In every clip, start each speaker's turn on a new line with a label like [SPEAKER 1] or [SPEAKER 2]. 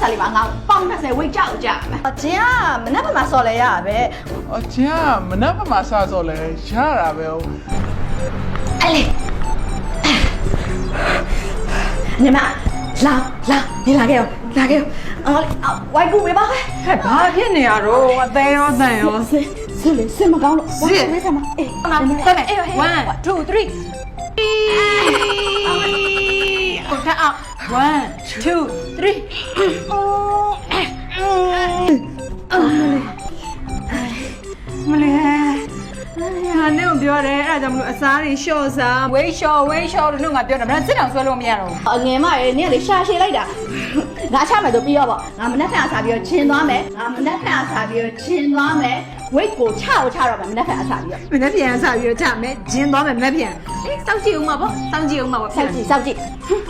[SPEAKER 1] 里吧，俺帮那谁喂教家嘛。这样，没那么说了呀呗。
[SPEAKER 2] 这样没那么啥做嘞，啥啦呗？
[SPEAKER 1] 哎嘞，你们来，你拿给我，外公没包开。
[SPEAKER 3] 哎，把片你啊，肉我等哟。
[SPEAKER 1] 是么高了？是为什么？哎，
[SPEAKER 3] 再来，1 2 3。我看啊，1 2 3。မလေးဟာနေကိုပြောတယ်အဲ့ဒါကြောင့်မလို့အစားတွေရှော့စားဝေးရှော့လို့ငါပြောတယ်မင်းစစ်တောင်ဆွဲလို့မရတော့ဘူး
[SPEAKER 1] ငယ်မရေနင်ကလေရှာရှည်လိုက်တာငါချမယ်ဆိုပြီးတော့ပေါ့ငါမနှက်ဖက်အစားပြီးတော့ချင်းသွားမယ်ဝိတ်ကိုချတော့မယ်မနှက်ဖက်အစားပြီးတော့
[SPEAKER 3] မနေ့ပြန်စားပြီးတော့ချမယ်ဂျင်းသွားမယ်မနေ့ပြန်အေးစောင့်ကြည့်ဦးမှာပေါ့စောင့်ကြည့်
[SPEAKER 1] စောင့်ကြည့်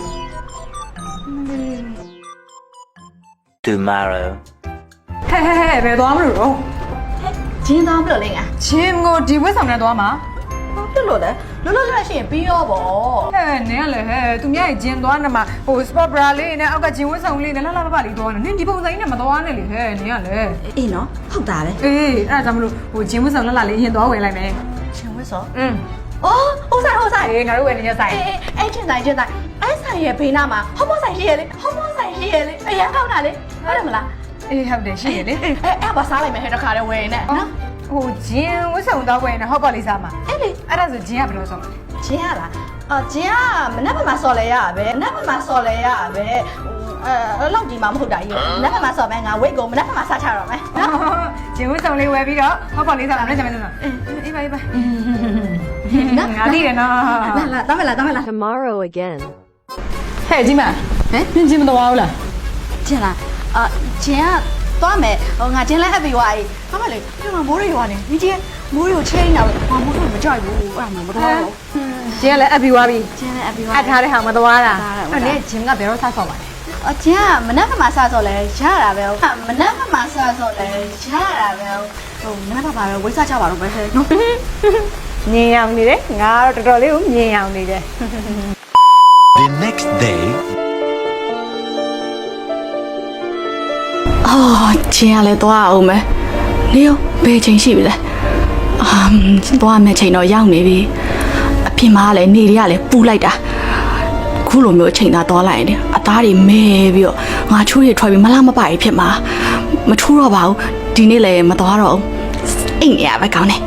[SPEAKER 4] Tomorrow
[SPEAKER 3] ဟဲ့ဘယ်သွားမလို့တော့
[SPEAKER 1] ချင်းသွားမလို့လေငါ
[SPEAKER 3] ချင်းကိုဒီဝက်ဆောင်နဲ့သွားမှာ
[SPEAKER 1] လွတ်လို့ရှိရင်ပြီးရောပေါ့
[SPEAKER 3] ဟဲ့နင်ကလည်းဟဲ့သူများဂျင်းသွားနေမှာဟို sport bra လေးနဲ့အောက်ကဂျင်းဝက်ဆောင်လေးနဲ့လှလှလေးသွားနေနင်ဒီပုံစံကြီးနဲ့မသွားနဲ့လေဟဲ့နင်ကလည်း
[SPEAKER 1] အေးနော်ဟုတ်တာပဲ
[SPEAKER 3] အေးအဲ့ဒါကြောင့်မလို့ဟိုဂျင်းဝက်ဆောင်လှလေးရင်သွားဝယ်လိုက်မယ်
[SPEAKER 1] ချင်းဝက်ဆောင်
[SPEAKER 3] အော်
[SPEAKER 1] ဟုတ်ဆိုင်
[SPEAKER 3] အေးငါတို့ဝယ်နေရဆိုင်
[SPEAKER 1] အဲ့ချင်းဆိုင်အဲ့ဆိုင်ရဲ့ဘေးနားမှာဟောမောဆိုင်ရှိရလေအရန်ကောင်းတာလေဟုတ်တယ်မလား
[SPEAKER 3] အေးဟုတ်တယ်ရှိရလေ
[SPEAKER 1] အဲ့ဘာစားလိုက်မယ်ဟဲ့တခါတည်းဝယ်နေနော်
[SPEAKER 3] ဟိုဂျင်းဝတ်ဆောင်တော့ဝယ်နေဟော့ပေါ့လေးစားမှာ
[SPEAKER 1] အဲ့လေ
[SPEAKER 3] အဲ့ဒါဆိုဂျင်းကဘယ်လိုဆောင်
[SPEAKER 1] ဂျင်းရလားဂျင်းကမနက်ဖက်မှာဆော်လဲရပဲလောက်ကြီးမှမဟုတ်တာကြီးမနက်ဖက်မှာဆော်မယ်ငါဝိတ်ကိုမနက်ဖက်မှာစားချတော့မယ်
[SPEAKER 3] နော်ဂျင်းဝတ်ဆောင်လေးဝယ်ပြီးတော့ဟော့ပေါ့လေးစားမှာလည်းဂျမင်းစားအေးပါငါသိတယ်နော်
[SPEAKER 1] လာတမ်းမလား
[SPEAKER 5] Tomorrow again
[SPEAKER 3] ဟဲ့ဂျင်းမဟမ်ဂျင်းမတော်ဘူးလား
[SPEAKER 1] ဂျင်းလားဂျင်းကသွားမယ်ငါဂျင်းလဲအပ်ပြီးွားအေးဟာမလေးဒီမှာမိုးတွေရွာနေဒီကြီးမိုးတွေကိုချိန်တာပဲမိုးတွေမကြိုက်ဘူးအဲ့ဒါမှမတော်ဘူး
[SPEAKER 3] ဂျင်းလည်းအပ်ပြီးွားပြီ
[SPEAKER 1] ဂျင်းလည်းအပ်ပြီးွား
[SPEAKER 3] အပ်ထားတဲ့ဟာမတော်တာအဲ့နဲ့ဂျင်းကဘယ်တော့စားဆော့ပါလဲ
[SPEAKER 1] ဂျင်းကမနက်ဖက်မှာစားဆော့လဲရတာပဲမနက်ဖက်မှာစားဆော့လဲရတာပဲဟိုမနက်ဖက်မှာပဲဝိစားချပါတော့ပဲဟဲ့နော်
[SPEAKER 3] ညင်အောင်နေတယ်ငါတော့တော်တော်လေးကိုညင်အောင်နေတယ်
[SPEAKER 4] The next day
[SPEAKER 1] ဂျင်းကလည်းသွားအောင်မယ်နေရောဘယ်ချိန်ရှိပြီလဲသွားမယ်ချိန်တော့ရောက်နေပြီအပြင်မှာလည်းနေတွေကလည်းပူလိုက်တာခုလိုမျိုးချိန်သာသွားလိုက်ရင်အသားတွေမဲပြီးတော့ငါချိုးတွေထွက်ပြီးမလားမပါကြီးဖြစ်မှာမထိုးတော့ပါဘူးဒီနေ့လည်းမသွားတော့အိမ်နေရပဲကောင်းတယ်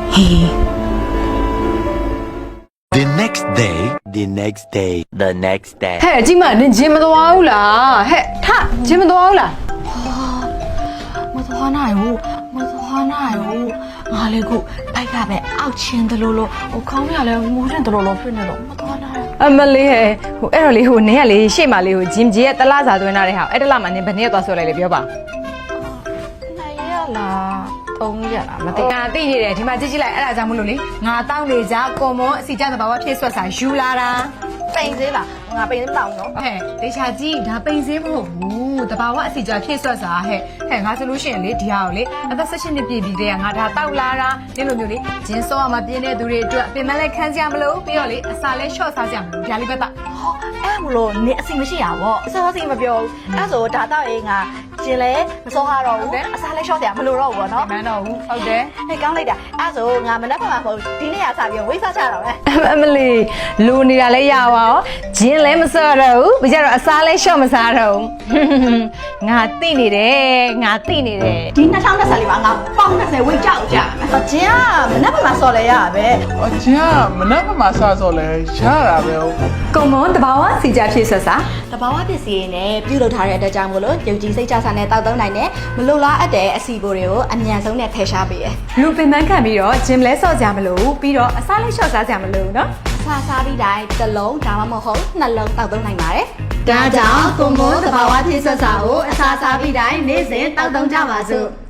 [SPEAKER 4] The next day ဟဲ့
[SPEAKER 3] အကြီးမနင်ဂျင်းမသွားဘူးလားဟဲ့ထဂျင်းမသွားဘူးလား
[SPEAKER 1] မသွားနိုင်ဘူးငါလည်းခုဘိုက်ကပဲအောက်ချင်းတလို့ဟိုခေါင်းရလဲငိုးတဲ့တလို့ဖြစ်နေတော့မသွားနိုင်
[SPEAKER 3] အမလေးဟဲ့ဟိုအဲ့တော့လေဟိုနင်ကလေရှေ့မှာလေဟိုဂျင်းကြီးရဲ့တလားစာသွင်းထားတဲ့ဟာအဲ့တလားမှာနင်ဘယ်နေ့သွားဆွဲလိုက်လေပြောပါ
[SPEAKER 1] နိုင်ရလား3ရက်လားမသိ
[SPEAKER 3] ငါသိနေတယ်ဒီမှာကြည့်လိုက်အဲ့ဒါကြောင့်မလို့လေငါတောင်းနေကြကွန်မွန်အစီကြသဘာဝဖြစ်ဆွတ်စာယူလာတာ
[SPEAKER 1] ပိန်သေးလားငါပိန်သေးမတောင်းနော်
[SPEAKER 3] ဟဲ့ဒေချာကြီးဒါပိန်သေးမဟုတ်ဘူးတဘာဝအစီကြဖြစ်ဆွတ်စာဟဲ့ငါဆိုလို့ရှိရင်လေဒီဟာကိုလေအသက်16နှစ်ပြည့်ပြီးတည်းကငါဒါတောက်လာတာဒီလိုမျိုးလေဂျင်းစောမှာပြင်းတဲ့သူတွေအတွက်ပင်မလဲခန်းစရာမလိုပြီးတော့လေအစာလဲရှော့စားစရာမလိုဒါလေးပဲတာ
[SPEAKER 1] အဲ့မလို့နေအစီမရှိရပါအစားအစီမပြောဘူးအဲ့ဆိုဒါတော့အေးငါကျင်လဲမစောရတော့ဘူးအစားလဲရှော့စရာမလိုတော့ဘူးပေါ့နော်
[SPEAKER 3] မန်းတော့ဘူးဟုတ်တယ်
[SPEAKER 1] ဟဲ့ကောင်းလိုက်တာအဲ့ဆိုငါမနက်ဖက်မှာပေါ့ဒီနေ့ကစပြီးဝိစားချတော့မယ်
[SPEAKER 3] အမလီလူနေတာလဲရပါရောဂျင်းလဲမစော့တော့ဘူးပြီးကြတော့အစားလဲရှော့မစားတော့ဘူးငါသိနေတယ်
[SPEAKER 1] ဒီ2024လေးပါငါပေါင်း20ဝိတ်ကြောက်ကြမယ်ကျင်ကမနက်ဖက်မှာစော်လဲရပဲ
[SPEAKER 2] 这样没那么啥做嘞，啥啦呗？
[SPEAKER 3] ကုံမွန်တဘာဝစီကြဖြစ်ဆက်စာ
[SPEAKER 1] တဘာဝပစ္စည်းနဲ့ပြုလုပ်ထားတဲ့အတွက်ကြောင့်မို့လို့ယုံကြည်စိတ်ချစာနဲ့တောက်သုံးနိုင်တဲ့မလိုလားအပ်တဲ့အစီအပိုတွေကိုအမြန်ဆုံးနဲ့ထည့်ရှားပေးရ
[SPEAKER 3] လူပင်ပန်းခံပြီးတော့ဂျင်းလဲစော့ကြမလို့ပြီးတော့အစားလေးလျှော့စားကြမလို့နော်
[SPEAKER 1] စားပြီးတိုင်းတစ်လုံးဒါမှမဟုတ်နှလုံးတောက်သုံးနိုင်ပါတယ်ဒါကြောင့်ကွန်ဘိုတဘာဝဖြစ်ဆက်စာကိုအစားစားပြီးတိုင်းနေ့စဉ်တောက်သုံးကြပါစို့